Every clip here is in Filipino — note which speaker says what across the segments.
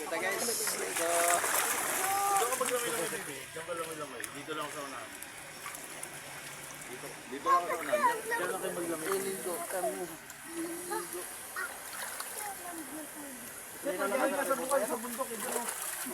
Speaker 1: kita guys. So,
Speaker 2: Doon ka maglamay-lamay, baby. Diyan ka lamay-lamay. Dito lang sa unahan. Dito lang sa unahan. Diyan lang kayo maglamay.
Speaker 1: iligo kami.
Speaker 2: Pagkain ka sa bukal sa bundok. Ito mo.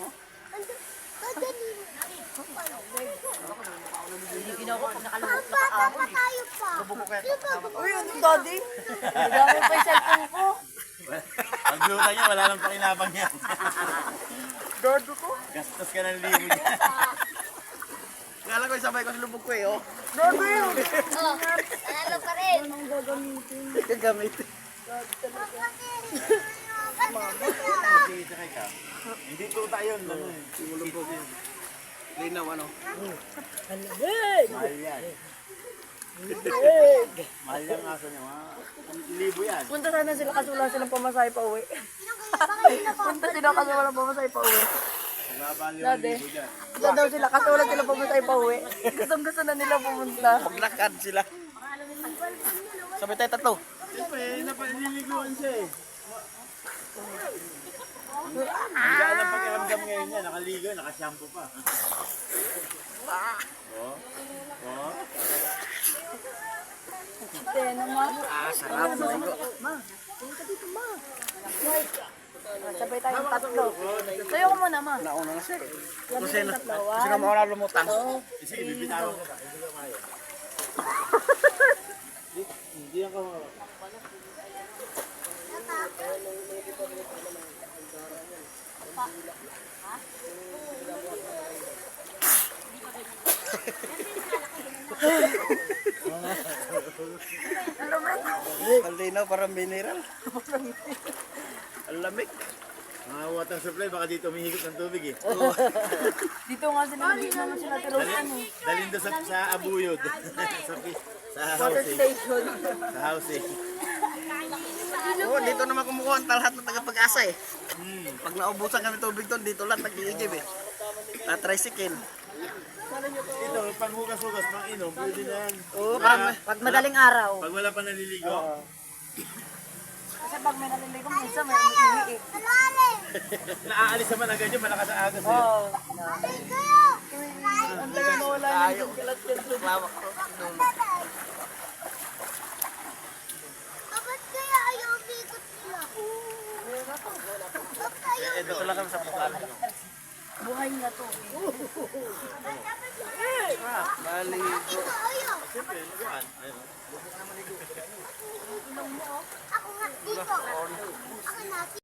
Speaker 3: Ginawa ko nakalungkot na kahapon eh.
Speaker 1: Uy, ano daddy?
Speaker 3: Gamit pa yung cellphone ko.
Speaker 2: Pagluta niya, wala lang pakinabang yan.
Speaker 1: Dodo ko?
Speaker 2: Gastos ka ng libo niya.
Speaker 1: Kala ko sabay ko sa lubog ko eh, oh.
Speaker 3: Oh, nanalo pa rin.
Speaker 1: Gagamitin.
Speaker 2: Sige, sakay ka. Hindi tuta yun. Ano eh.
Speaker 1: Lubog. Linaw, ano?
Speaker 2: Mahal yan. Mahal yung aso niya. Mga libo yan.
Speaker 3: Punta sana sila kasi wala silang pamasahe pa uwi. Punta sila kasi wala pamasahe pa uwi.
Speaker 2: Nabali yung
Speaker 3: Dati.
Speaker 2: libo dyan.
Speaker 3: Wala daw sila kasi wala silang pamasahe pa uwi. Gusto na nila pumunta.
Speaker 1: Maglakad sila. Sabay tayo tatlo.
Speaker 2: Siyempre, napaliliguan siya eh. Ang gaan ang pakiramdam ngayon niya. Nakaligo, nakashampoo pa. Oh. Oh.
Speaker 3: Kaya naman.
Speaker 1: Sarap na ito.
Speaker 3: Sabay tayong tatlo. Sayo ko muna, ma.
Speaker 1: Nauna na siya eh.
Speaker 3: Kasi na.
Speaker 1: Kasi ka mauna lumutang.
Speaker 2: Sige, bibitawan ko ka. Hindi ko kaya. Hindi ako.
Speaker 1: Kalinaw, parang mineral. Ang lamig.
Speaker 2: Mga water supply, baka dito umihigop ng tubig eh.
Speaker 3: Dito nga sila, dito naman sila tirusan eh.
Speaker 2: Dalhin doon sa abuyod. sa
Speaker 3: Water
Speaker 2: house eh.
Speaker 3: station.
Speaker 2: Sa house eh.
Speaker 1: Oo, dito naman kumukuha ang lahat ng tagapag-asa eh. Pag naubusan kami tubig doon, dito lang nag-iigib eh. Na-tricycle.
Speaker 2: Ito, panghugas-hugas, pang inom, pwede na yan.
Speaker 1: Oo, parang
Speaker 3: Pag madaling araw.
Speaker 2: Pag wala pa naliligo.
Speaker 3: Kasi pag may naliligo, minsan may umiiik.
Speaker 2: Naaalis naman agad yun, malakas ang agos eh.
Speaker 3: Oo. Ang tagal na wala yung kalat yan.
Speaker 1: lawak ko.
Speaker 4: Bakit kaya ayaw bigot nila? Bakit ayaw?
Speaker 1: Eh, dito lang kami sa bukal.
Speaker 3: Buhay nga to.
Speaker 1: Maligo.
Speaker 4: Ito ayaw.
Speaker 2: Siyempre, naguan. Ayun.
Speaker 4: Ako nga dito. Ako nga.